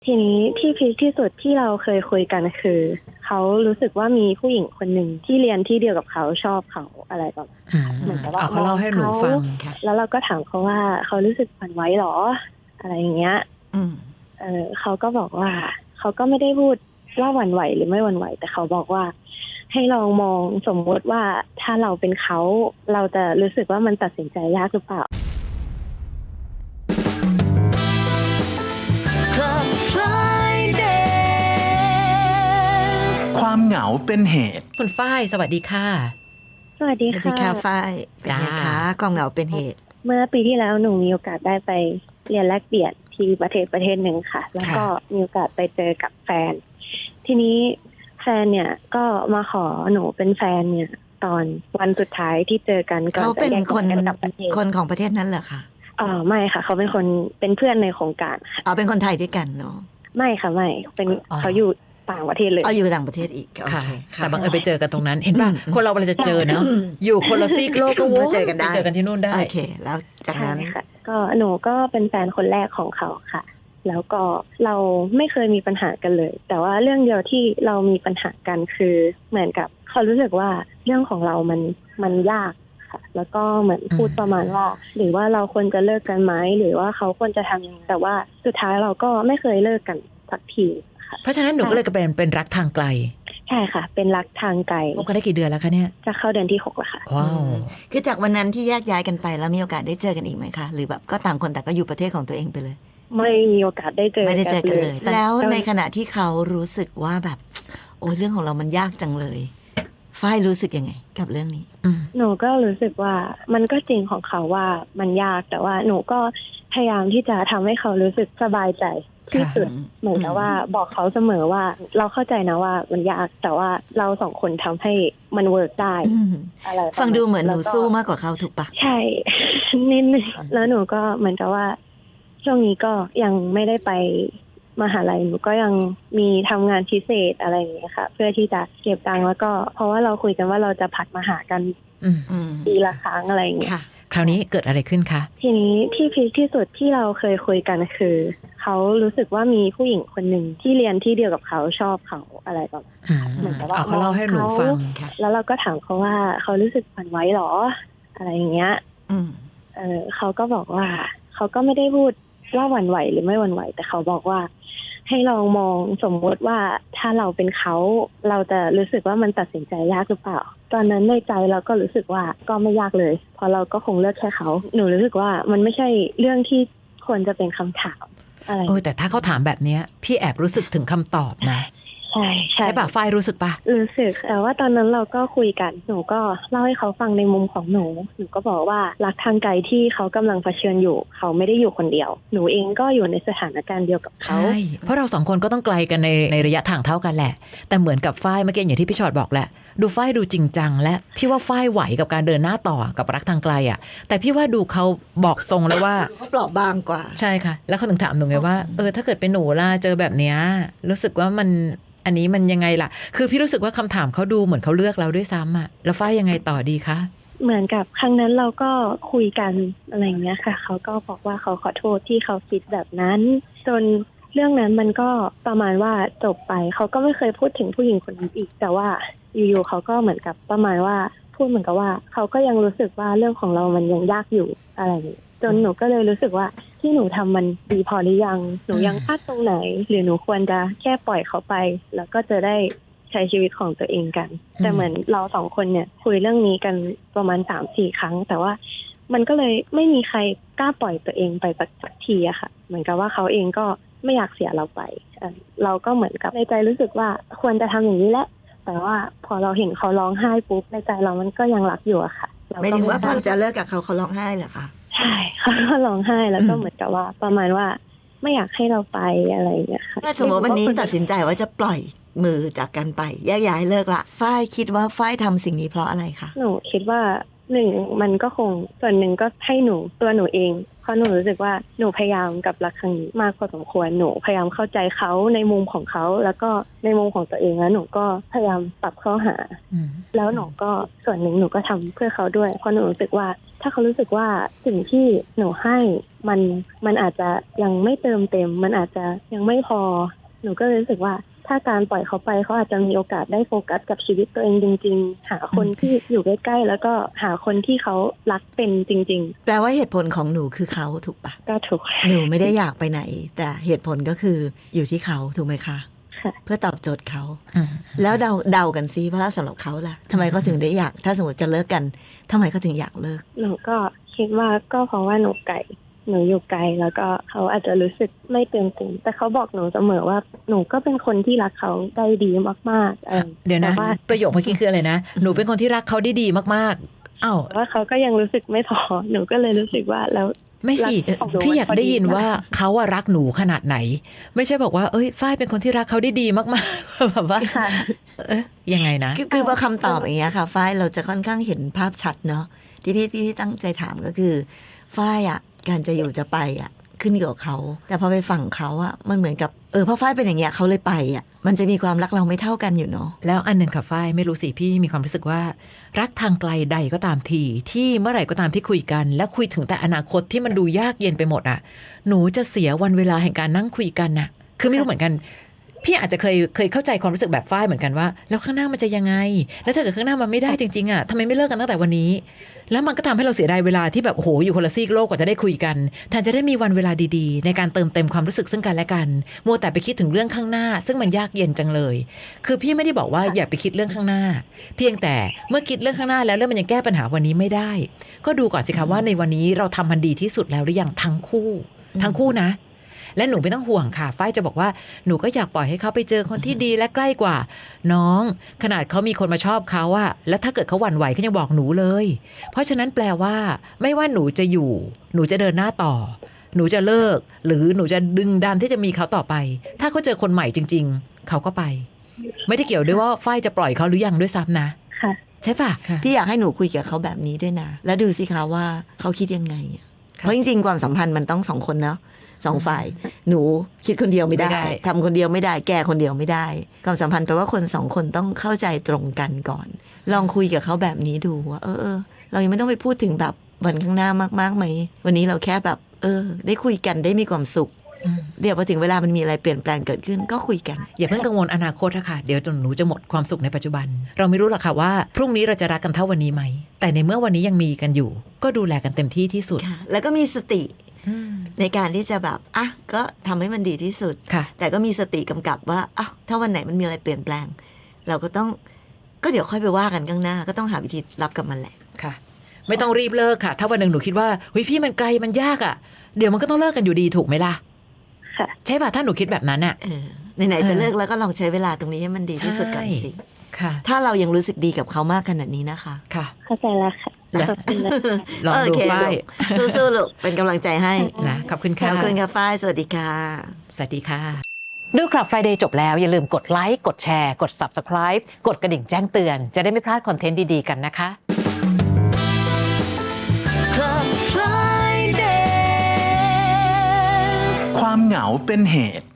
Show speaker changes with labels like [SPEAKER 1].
[SPEAKER 1] ทีนี้ที่พีคที่สุดที่เราเคยคุยกันคือเขารู้สึกว่ามีผู้หญิงคนหนึ่งที่เรียนที่เดียวกับเขาชอบเขาอะไรแบบเหมือนกับว่า
[SPEAKER 2] เขาเล่าให้หนูฟังค่ะ
[SPEAKER 1] แล้วเราก็ถามเขาว่าเขารู้สึกหวั่นไหวหรออะไรอย่างเงี้ยเขาก็บอกว่าเขาก็ไม่ได้พูดว่าหวั่นไหวหรือไม่หวั่นไหวแต่เขาบอกว่าให้ลองมองสมมติว่าถ้าเราเป็นเขาเราจะรู้สึกว่ามันตัดสินใจยากหรือเปล่า
[SPEAKER 3] ความเหงาเป็นเหตุ
[SPEAKER 2] คุณฝ้ายสวัสดีค่ะ
[SPEAKER 1] สวัสดีค่ะ
[SPEAKER 4] สวัสดีค่ะฝ้ายเป็นไงคะความเหงาเป็นเหตุ
[SPEAKER 1] เมื่อปีที่แล้วหนูมีโอกาสได้ไปเรียนแลกเปลี่ยนที่ประเทศหนึ่งค่ะแล้วก็มีโอกาสไปเจอกับแฟนทีนี้แฟนเนี่ยก็มาขอหนูเป็นแฟนเนี่ยตอนวันสุดท้ายที่เจอกันก่อนจะแยกกันกลับประเทศ
[SPEAKER 4] คนของประเทศนั้นเหรอคะ
[SPEAKER 1] ไม่ค่ะเขาเป็นคนเป็นเพื่อนในโครงการค่ะ
[SPEAKER 4] เป็นคนไทยด้วยกันเนาะ
[SPEAKER 1] ไม่ค่ะไม่เป็นเขาอยู่ต่างประเทศเลย
[SPEAKER 4] อยู่ต่างประเทศอีก
[SPEAKER 2] ค่ะแต่บังเอิญไปเจอกันตรงนั้นเห็นป่ะคนเราเวลาจะเจอเนาะอยู่คนละซีกโลกก็
[SPEAKER 4] เจอกันได้
[SPEAKER 2] เจอกันที่นู่นได้
[SPEAKER 4] โอเคแล้วจากนั้น
[SPEAKER 1] ค่ะก็หนูก็เป็นแฟนคนแรกของเขาค่ะแล้วก็เราไม่เคยมีปัญหากันเลยแต่ว่าเรื่องเดียวที่เรามีปัญหากันคือเหมือนกับเขารู้สึกว่าเรื่องของเรามันยากค่ะแล้วก็เหมือนพูดประมาณว่าหรือว่าเราควรจะเลิกกันไหมหรือว่าเขาควรจะทำยังไงแต่ว่าสุดท้ายเราก็ไม่เคยเลิกกันสักที
[SPEAKER 2] เพราะฉะนั้นหนูก็เลยเป็นรักทางไกล
[SPEAKER 1] ใช่ค่ะเป็นรักทางไกล
[SPEAKER 2] คบกันได้กี่เดือนแล้วคะเนี่ย
[SPEAKER 1] จะเข้าเดือนที่6แล้วค่ะ
[SPEAKER 2] ว้าว
[SPEAKER 4] คือจากวันนั้นที่แยกย้ายกันไปแล้วมีโอกาสได้เจอกันอีกไหมคะหรือแบบก็ต่างคนแต่ก็อยู่ประเทศของตัวเองไปเลย
[SPEAKER 1] ไม่มีโอกาสได้เจอ
[SPEAKER 4] ไม่ได้เจอกันเลยแล้วในขณะที่เขารู้สึกว่าแบบโอ้เรื่องของเรามันยากจังเลยฝ้ายรู้สึกยังไงกับเรื่องนี้
[SPEAKER 1] หนูก็รู้สึกว่ามันก็จริงของเขาว่ามันยากแต่ว่าหนูก็พยายามที่จะทำให้เขารู้สึกสบายใจที่สุดเหมือนกับว่าบอกเขาเสมอว่าเราเข้าใจนะว่ามันยากแต่ว่าเราสองคนทำให้มันเวิร์กได้อะไร
[SPEAKER 4] ฟังดูเหมือนหนูสู้มากกว่าเขาถูกปะ
[SPEAKER 1] ใช่นิดนึงแล้วหนูก็เหมือนกับว่าช่วงนี้ก็ยังไม่ได้ไปมหาลัยหนูก็ยังมีทำงานพิเศษอะไรอย่างเงี้ยค่ะเพื่อที่จะเก็บตังค์แล้วก็เพราะว่าเราคุยกันว่าเราจะผัดมาหากันปีละครั้งอะไรอย่างเงี้ย
[SPEAKER 2] คราวนี้เกิดอะไรขึ้นคะ
[SPEAKER 1] ทีนี้ที่พีคที่สุดที่เราเคยคุยกันคือเขารู้สึกว่ามีผู้หญิงคนหนึ่งที่เรียนที่เดียวกับเขาชอบเขาอะไรแบบ
[SPEAKER 2] เหมือนกับว่าเขาเล่าให้หนูฟัง
[SPEAKER 1] แล้วเราก็ถามเขาว่าเขารู้สึกหวั่นไหวหรออะไรอย่างเงี้ยเขาก็บอกว่าเขาก็ไม่ได้พูดว่าหวั่นไหวหรือไม่หวั่นไหวแต่เขาบอกว่าให้ลองมองสมมติว่าถ้าเราเป็นเขาเราจะรู้สึกว่ามันตัดสินใจยากหรือเปล่าตอนนั้นในใจเราก็รู้สึกว่าก็ไม่ยากเลยเพราะเราก็คงเลือกแค่เขาหนูรู้สึกว่ามันไม่ใช่เรื่องที่ควรจะเป็นคำถามอะไร
[SPEAKER 2] แต่ถ้าเขาถามแบบนี้พี่แอบรู้สึกถึงคำตอบนะใช่ป่ะฝ้ายรู้สึกป่ะ
[SPEAKER 1] รู้สึกแต่ว่าตอนนั้นเราก็คุยกันหนูก็เล่าให้เขาฟังในมุมของหนูก็บอกว่ารักทางไกลที่เขากำลังเผชิญอยู่เขาไม่ได้อยู่คนเดียวหนูเองก็อยู่ในสถานการณ์เดียวกับเขา
[SPEAKER 2] ใช่เพราะเราสองคนก็ต้องไกลกันในระยะทางเท่ากันแหละแต่เหมือนกับฝ้ายเมื่อกี้อย่างที่พี่ชอตบอกแหละดูฝ้ายดูจริงจังและพี่ว่าฝ้ายไหวกับการเดินหน้าต่อกับรักทางไกลอ่ะแต่พี่ว่าดูเขาบอกทรงแล้วว่า
[SPEAKER 4] เขาเปราะบางกว่า
[SPEAKER 2] ใช่ค่ะแล้วเขาถึงถามหนูไงว่าถ้าเกิดเป็นหนูล่ะเจอแบบเนี้ยรู้สึกว่าอันนี้มันยังไงล่ะคือพี่รู้สึกว่าคำถามเขาดูเหมือนเขาเลือกเราด้วยซ้ำอ่ะแล้วฝ้ายยังไงต่อดีคะ
[SPEAKER 1] เหมือนกับครั้งนั้นเราก็คุยกันอะไรอย่างเงี้ยค่ะเขาก็บอกว่าเขาขอโทษที่เขาคิดแบบนั้นจนเรื่องนั้นมันก็ประมาณว่าจบไปเขาก็ไม่เคยพูดถึงผู้หญิงคนนี้อีกแต่ว่าอยู่ๆเขาก็เหมือนกับประมาณว่าพูดเหมือนกับว่าเขาก็ยังรู้สึกว่าเรื่องของเรามันยังยากอยู่อะไรอย่างนี้จนหนูก็เลยรู้สึกว่าที่หนูทำมันดีพอหรือยังหนูยังพลาดตรงไหนหรือหนูควรจะแค่ปล่อยเขาไปแล้วก็จะได้ใช้ชีวิตของตัวเองกันแต่เหมือนเราสองคนเนี่ยคุยเรื่องนี้กันประมาณ 3-4 ครั้งแต่ว่ามันก็เลยไม่มีใครกล้าปล่อยตัวเองไปสักทีอะค่ะเหมือนกับว่าเขาเองก็ไม่อยากเสียเราไปเราก็เหมือนกับในใจรู้สึกว่าควรจะทำอย่างนี้แหละแต่ว่าพอเราเห็นเขาร้องไห้ปุ๊บในใจเรามันก็ยังรักอยู่อะค่ะ
[SPEAKER 4] ไม่ถึงว่าพอจะเลิกกับเขาร้องไห้เหรอคะ
[SPEAKER 1] ใช่เขาก็ร้องไห้แล้วก็เหมือนกับว่าประมาณว่าไม่อยากให้เราไปอะไรอย่างเงี้ยค่ะ
[SPEAKER 4] ถ้าสมมติวันนี้ตัดสินใจว่าจะปล่อยมือจากกันไปแยกย้ายเลิกละฝ้ายคิดว่าฝ้ายทำสิ่งนี้เพราะอะไรคะ
[SPEAKER 1] หนูคิดว่าหนึ่งมันก็คงส่วนหนึ่งก็ให้ตัวหนูเองเพราะหนูรู้สึกว่าหนูพยายามกับรักครั้งนี้มากพอสมควรหนูพยายามเข้าใจเขาในมุมของเขาแล้วก็ในมุมของตัวเองแล้วหนูก็พยายามปรับเข้าหาแล้วหนูก็ส่วนหนึ่งหนูก็ทำเพื่อเขาด้วยเพราะหนูรู้สึกว่าถ้าเขารู้สึกว่าสิ่งที่หนูให้มันอาจจะยังไม่เติมเต็มมันอาจจะยังไม่พอหนูก็เลยรู้สึกว่าถ้าการปล่อยเขาไปเขาอาจจะมีโอกาสได้โฟกัสกับชีวิตตัวเองจริงๆหาคนที่อยู่ใกล้ๆแล้วก็หาคนที่เขารักเป็นจริง
[SPEAKER 4] แปลว่าเหตุผลของหนูคือเขาถูกปะ
[SPEAKER 1] ๆก็ถูก
[SPEAKER 4] หนูไม่ได้อยากไปไหน แต่เหตุผลก็คืออยู่ที่เขาถูกไหมคะ
[SPEAKER 1] ค่ะ
[SPEAKER 4] เพื่อตอบโจทย์เขาแล้วเดากันซิว่าสำหรับเขาล่ะทำไมเขาถึงได้อยากถ้าสมมติจะเลิกกันทำไมเขาถึงอยากเลิก
[SPEAKER 1] หนูก็คิดว่าก็เพราะว่าหนูอยู่ไกลแล้วก็เขาอาจจะรู้สึกไม่เต็มเต็มแต่เขาบอกหนูเสมอว่าหนูก็เป็นคนที่รักเขาได้ดีมากๆ
[SPEAKER 2] เดี๋ยวนะประโยคเมื่อกี้คืออะไรนะหนูเป็นคนที่รักเขาได้ดีมากๆอ้าว
[SPEAKER 1] ว่าเขาก็ยังรู้สึกไม่พอหนูก็เลยรู้สึกว่าแล้ว
[SPEAKER 2] ไม่สิพี่อยากได้ยินว่าเขาอะรักหนูขนาดไหนไม่ใช่บอกว่าเอ้ยฝ้ายเป็นคนที่รักเขาได้ดีมากๆแบบว่ายังไงนะ
[SPEAKER 4] คือพอคำตอบอย่างเงี้ยค่ะฝ้ายเราจะค่อนข้างเห็นภาพชัดเนาะที่พี่ตั้งใจถามก็คือฝ้ายอะการจะอยู่จะไปอะขึ้นอยู่กับเขาแต่พอไปฝั่งเขาอะมันเหมือนกับเพราะฝ้ายเป็นอย่างเงี้ยเขาเลยไปอะมันจะมีความรักเราไม่เท่ากันอยู่เนาะ
[SPEAKER 2] แล้วอันหนึ่งค่ะฝ้ายไม่รู้สิพี่มีความรู้สึกว่ารักทางไกลใดก็ตามทีที่เมื่อไหร่ก็ตามที่คุยกันแล้วคุยถึงแต่อนาคตที่มันดูยากเย็นไปหมดอะหนูจะเสียวันเวลาแห่งการนั่งคุยกันน่ะคือไม่รู้เหมือนกันพี่อาจจะเคยเข้าใจความรู้สึกแบบฝ้ายเหมือนกันว่าแล้วข้างหน้ามันจะยังไงแล้วถ้าเกิดข้างหน้ามันไม่ได้จริงๆอะทำไมไม่เลิกกันตั้งแต่วันนี้แล้วมันก็ทำให้เราเสียดายเวลาที่แบบโอ้โหอยู่คนละซีกโลกกว่าจะได้คุยกันแทนจะได้มีวันเวลาดีๆในการเติมเต็มความรู้สึกซึ่งกันและกันมัวแต่ไปคิดถึงเรื่องข้างหน้าซึ่งมันยากเย็นจังเลยคือพี่ไม่ได้บอกว่าอย่าไปคิดเรื่องข้างหน้าเพียงแต่เมื่อคิดเรื่องข้างหน้าแล้วมันยังแก้ปัญหาวันนี้ไม่ได้ก็ดูก่อนสิคะว่าในวันนี้เราทำมันดีที่สุดแล้วหรือยังทั้งคู่นะและหนูไม่ต้องห่วงค่ะฝ้ายจะบอกว่าหนูก็อยากปล่อยให้เขาไปเจอคนที่ดีและใกล้กว่าน้องขนาดเขามีคนมาชอบเขาอะแล้วถ้าเกิดเขาหวั่นไหวเขายังบอกหนูเลยเพราะฉะนั้นแปลว่าไม่ว่าหนูจะอยู่หนูจะเดินหน้าต่อหนูจะเลิกหรือหนูจะดึงดันที่จะมีเขาต่อไปถ้าเขาเจอคนใหม่จริงๆเขาก็ไปไม่ได้เกี่ยวด้วยว่าฝ้ายจะปล่อยเขาหรือยังด้วยซ้ำนะใช่ปะ
[SPEAKER 4] พี่อยากให้หนูคุยกับเขาแบบนี้ด้วยนะแล้วดูสิคะว่าเขาคิดยังไงเพราะจริงๆความสัมพันธ์มันต้อง2 คนเนาะ2 ฝ่ายหนูคิดคนเดียวไม่ได้ทำคนเดียวไม่ได้แก้คนเดียวไม่ได้ความสัมพันธ์แปลว่าคน2 คนต้องเข้าใจตรงกันก่อนลองคุยกับเขาแบบนี้ดูว่าเรายังไม่ต้องไปพูดถึงแบบวันข้างหน้ามากๆไหมวันนี้เราแค่แบบได้คุยกันได้มีความสุขเดี๋ยวพอถึงเวลามันมีอะไรเปลี่ยนแปลงเกิดขึ้นก็คุยกัน
[SPEAKER 2] อย่าเพิ่งกังวลอนาคตค่ะเดี๋ยวหนูจะหมดความสุขในปัจจุบันเราไม่รู้หรอกค่ะว่าพรุ่งนี้เราจะรักกันเท่าวันนี้ไหมแต่ในเมื่อวันนี้ยังมีกันอยู่ก็ดูแลกันเต็มที่ที่สุด
[SPEAKER 4] แล้วก็มีสติในการที่จะแบบก็ทำให้มันดีที่สุดแต่ก็มีสติกำกับว่าถ้าวันไหนมันมีอะไรเปลี่ยนแปลงเราก็ต้องก็เดี๋ยวค่อยไปว่ากันข้างหน้าก็ต้องหาวิธีรับกับมันแหละ
[SPEAKER 2] ค่ะไม่ต้องรีบเลิกค่ะถ้าวันหนึ่งหนูคิดว่าเฮ้ยพี่มันไกลมันยากอ่ะเดี๋ยวมันก็ต้องเลิกกันอยู่ดีถูกไหมล่ะใช่ป่ะถ้าหนูคิดแบบนั้นอ่ะ
[SPEAKER 4] ไหนๆจะเลิกแล้วก็ลองใช้เวลาตรงนี้ให้มันดีที่สุดก่อนสิถ้าเรายังรู้สึกดีกับเขามากขนาดนี้นะคะ
[SPEAKER 2] ค่ะ
[SPEAKER 1] เข้าใจแล้วค่ะขอบคุณนะ
[SPEAKER 2] ลองดูฝ้าย
[SPEAKER 4] สู้ๆลูกเป็นกำลังใจให้
[SPEAKER 2] นะขอบคุณค่ะ
[SPEAKER 4] ขอบคุณค่ะฝ้ายสวัสดีค่ะ
[SPEAKER 2] สวัสดีค่ะดูคลับ Friday จบแล้วอย่าลืมกดไลค์กดแชร์กด Subscribe กดกระดิ่งแจ้งเตือนจะได้ไม่พลาดคอนเทนต์ดีๆกันนะคะ
[SPEAKER 4] Club Friday
[SPEAKER 3] ความเหงาเป็นเหตุ